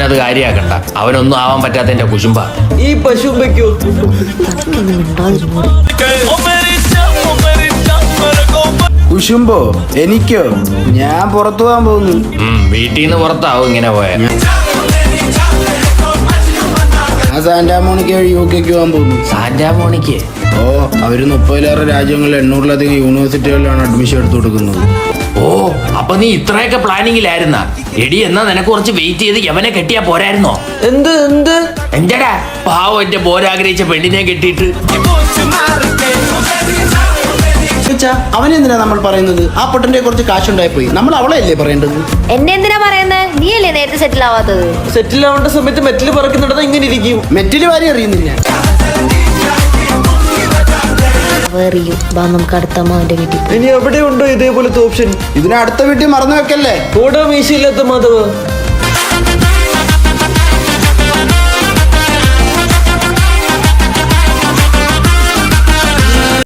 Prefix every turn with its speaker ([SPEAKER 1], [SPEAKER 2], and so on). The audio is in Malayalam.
[SPEAKER 1] അവനത് കാര്യാക്കണ്ട. അവനൊന്നും ആവാൻ പറ്റാത്തതിന്റെ കുശുമ്പ.
[SPEAKER 2] ഈ പശുമ്പയ്ക്കോ?
[SPEAKER 3] കുശുമ്പോ എനിക്കോ? ഞാൻ പുറത്തു പോകാൻ പോകുന്നു.
[SPEAKER 1] വീട്ടിൽ നിന്ന് പുറത്താവും ഇങ്ങനെ പോയാൽ.
[SPEAKER 3] ഞാൻ സാന്റാമോണിക്ക വഴി UK പോകാൻ പോകുന്നു.
[SPEAKER 1] സാന്റാമോണിക്ക്?
[SPEAKER 3] ഓ, അവര് 30-ലേറെ രാജ്യങ്ങളിൽ 800-ലധികം യൂണിവേഴ്സിറ്റികളിലാണ് അഡ്മിഷൻ എടുത്തു കൊടുക്കുന്നത്.
[SPEAKER 1] ഓ, അപ്പൊ നീ ഇത്രയൊക്കെ പ്ലാനിങ്ങിലായിരുന്ന? എടി, എന്നാ നിനക്ക് കുറച്ച് വെയിറ്റ് ചെയ്ത് യവനെ കെട്ടിയാ പോരായിരുന്നോ? എന്റെടാ പാവം, എന്റെ പോരാഗ്രഹിച്ച പെണ്ണിനെ കെട്ടിയിട്ട്.
[SPEAKER 3] അവനെന്തിനാ നമ്മൾ പറയുന്നത്? ആ പൊട്ടന്റെ കുറച്ച് കാശുണ്ടായി പോയി. നമ്മൾ അവളെ അല്ലേ പറയേണ്ടത്?
[SPEAKER 4] എന്നെ എന്തിനാ പറയുന്നത്? നീ അല്ലേ നേരത്തെ സെറ്റിൽ ആവാത്തത്?
[SPEAKER 2] സെറ്റിൽ ആവേണ്ട സമയത്ത് മെറ്റല് പറക്കുന്നിടത്ത് ഇങ്ങനെ ഇരിക്കും.
[SPEAKER 3] മെറ്റില് വാരി അറിയുന്നില്ല.
[SPEAKER 4] നമുക്ക് അടുത്ത അമ്മാവന്റെ വീട്ടിൽ.
[SPEAKER 2] ഇനി എവിടെ ഉണ്ടോ ഇതേപോലത്തെ ഓപ്ഷൻ?
[SPEAKER 3] ഇതിന് അടുത്ത വീട്ടിൽ മറന്നു വെക്കല്ലേ.
[SPEAKER 2] ഓടാ മീശയില്ലാത്ത മാധവ്.